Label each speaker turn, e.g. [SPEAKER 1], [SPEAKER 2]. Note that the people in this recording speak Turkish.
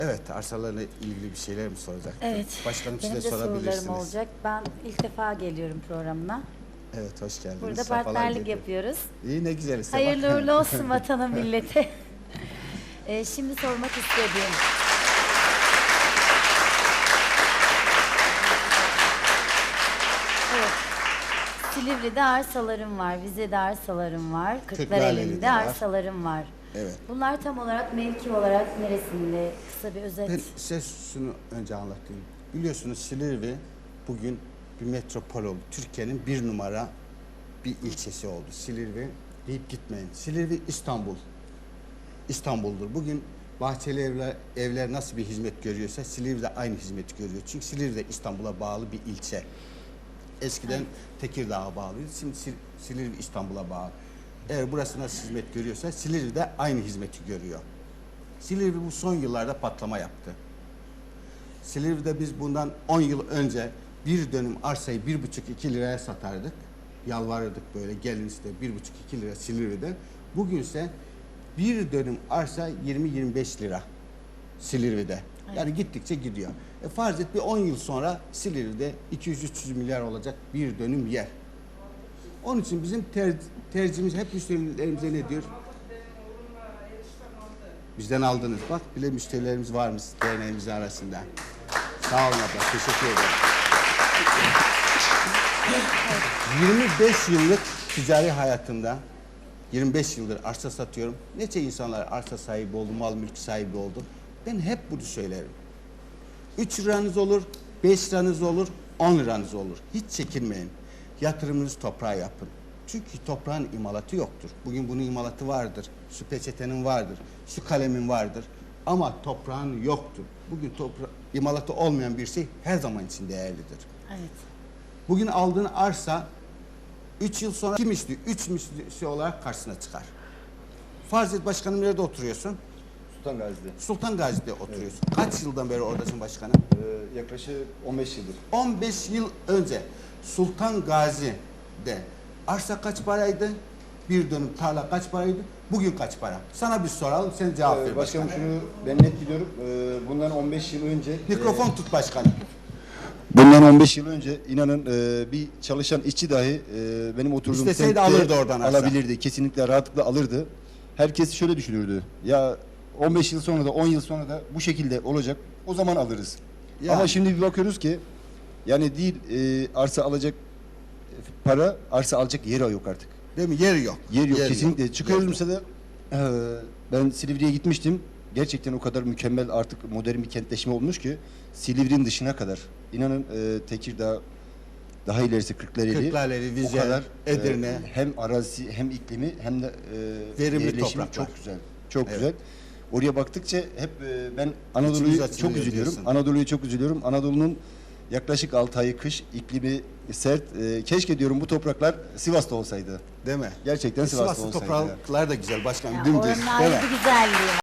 [SPEAKER 1] Evet, arsalarla ilgili bir şeyler mi soracak?
[SPEAKER 2] Evet.
[SPEAKER 1] Başkanım
[SPEAKER 2] Benim
[SPEAKER 1] size
[SPEAKER 2] de
[SPEAKER 1] sorabilirsiniz.
[SPEAKER 2] sorularım olacak. Ben ilk defa geliyorum programına.
[SPEAKER 1] Evet, hoş geldiniz.
[SPEAKER 2] Burada
[SPEAKER 1] Sefalar
[SPEAKER 2] partnerlik
[SPEAKER 1] getirdiniz.
[SPEAKER 2] yapıyoruz.
[SPEAKER 1] İyi, ne güzel işte.
[SPEAKER 2] Hayırlı
[SPEAKER 1] bak.
[SPEAKER 2] uğurlu olsun vatana millete. Şimdi sormak istediğim. Evet. Silivri'de arsalarım var, Vize'de arsalarım var,
[SPEAKER 1] Kırklareli'de
[SPEAKER 2] Kırklareli'de
[SPEAKER 1] var.
[SPEAKER 2] arsalarım var.
[SPEAKER 1] Evet.
[SPEAKER 2] Bunlar tam olarak mevki olarak neresinde? Kısa bir özet.
[SPEAKER 1] Ben size şunu önce anlatayım. Biliyorsunuz Silivri bugün bir metropol oldu. Türkiye'nin bir numara bir ilçesi oldu. Silivri deyip gitmeyin. Silivri İstanbul. İstanbul'dur. Bugün bahçeli evler nasıl bir hizmet görüyorsa Silivri de aynı hizmeti görüyor. Çünkü Silivri de İstanbul'a bağlı bir ilçe. Eskiden Tekirdağ'a bağlıydı. Şimdi Silivri İstanbul'a bağlı. Eğer burası nasıl hizmet görüyorsa Silivri de aynı hizmeti görüyor. Silivri bu son yıllarda patlama yaptı. Silivri'de biz bundan 10 yıl önce bir dönüm arsayı 1,5-2 liraya satardık. Yalvarırdık böyle, gelin işte 1,5-2 lira Silivri'de. Bugünse bir dönüm arsa 20-25 lira Silivri'de. Yani gittikçe gidiyor. Farz et bir 10 yıl sonra Silivri'de 200-300 milyar olacak bir dönüm yer. Onun için bizim tercihimiz hep müşterilerimize ne diyor? Bizden aldınız. Bak bile müşterilerimiz varmış derneğimizin arasında. Sağ olun abla. Teşekkür ederim. 25 yıllık ticari hayatımda 25 yıldır arsa satıyorum. Nece insanlar arsa sahibi oldu, mal mülk sahibi oldu. Ben hep bunu söylerim. 3 liranız olur, 5 liranız olur, 10 liranız olur. Hiç çekinmeyin. Yatırımınızı toprağa yapın. Çünkü toprağın imalatı yoktur. Bugün bunun imalatı vardır. Şu peçetenin vardır. Şu kalemin vardır. Ama toprağın yoktur. Bugün imalatı olmayan bir şey her zaman için değerlidir.
[SPEAKER 2] Evet.
[SPEAKER 1] Bugün aldığın arsa 3 yıl sonra 2 misli, 3 misli olarak karşısına çıkar. Farz et başkanım, nerede oturuyorsun?
[SPEAKER 3] Sultan Gazi'de.
[SPEAKER 1] Sultan Gazi'de oturuyorsun. Evet. Kaç yıldan beri oradasın başkanım?
[SPEAKER 3] Yaklaşık 15 yıldır.
[SPEAKER 1] 15 yıl önce Sultan Gazi'de arsa kaç paraydı? Bir dönüm tarla kaç paraydı? Bugün kaç para? Sana bir soralım, sen cevap ver
[SPEAKER 3] Başkanım,
[SPEAKER 1] başkanım.
[SPEAKER 3] şunu ben net biliyorum. Bundan 15 yıl önce...
[SPEAKER 1] Mikrofon tut başkanım.
[SPEAKER 3] Bundan 15 yıl önce inanın bir çalışan işçi dahi benim oturduğum
[SPEAKER 1] İsteseydi
[SPEAKER 3] semtte
[SPEAKER 1] alırdı oradan arsa.
[SPEAKER 3] alabilirdi. Kesinlikle rahatlıkla alırdı. Herkes şöyle düşünürdü. Ya 15 yıl sonra da 10 yıl sonra da bu şekilde olacak. O zaman alırız.
[SPEAKER 1] Yani.
[SPEAKER 3] Ama şimdi bir bakıyoruz ki yani değil arsa alacak para, arsa alacak yer yok artık.
[SPEAKER 1] Değil mi? Yer yok.
[SPEAKER 3] Yer yok
[SPEAKER 1] Yer
[SPEAKER 3] kesinlikle.
[SPEAKER 1] yok.
[SPEAKER 3] Çıkıyoruz
[SPEAKER 1] Yer yok.
[SPEAKER 3] mesela ben Silivri'ye gitmiştim. Gerçekten o kadar mükemmel artık modern bir kentleşme olmuş ki Silivri'nin dışına kadar. İnanın Tekirdağ, daha ilerisi
[SPEAKER 1] Kırklareli, Vize,
[SPEAKER 3] o kadar
[SPEAKER 1] Edirne.
[SPEAKER 3] hem arazisi hem iklimi hem de
[SPEAKER 1] Verimli
[SPEAKER 3] yerleşimi
[SPEAKER 1] topraklar.
[SPEAKER 3] çok güzel. Çok
[SPEAKER 1] Evet.
[SPEAKER 3] güzel. Oraya baktıkça hep ben
[SPEAKER 1] İçimiz
[SPEAKER 3] Anadolu'yu
[SPEAKER 1] açılıyor
[SPEAKER 3] çok üzülüyorum.
[SPEAKER 1] diyorsun.
[SPEAKER 3] Anadolu'yu çok üzülüyorum. Anadolu'nun yaklaşık 6 ayı kış, iklimi sert. Keşke diyorum bu topraklar Sivas'ta olsaydı.
[SPEAKER 1] Değil mi?
[SPEAKER 3] Gerçekten Sivas'ta
[SPEAKER 1] Sivas'ın
[SPEAKER 3] olsaydı.
[SPEAKER 1] topraklar da güzel başkanım.
[SPEAKER 2] Ya
[SPEAKER 1] Dümdüz.
[SPEAKER 2] oranın
[SPEAKER 1] Değil
[SPEAKER 2] ayrı
[SPEAKER 1] mi?
[SPEAKER 2] bir güzelliği var.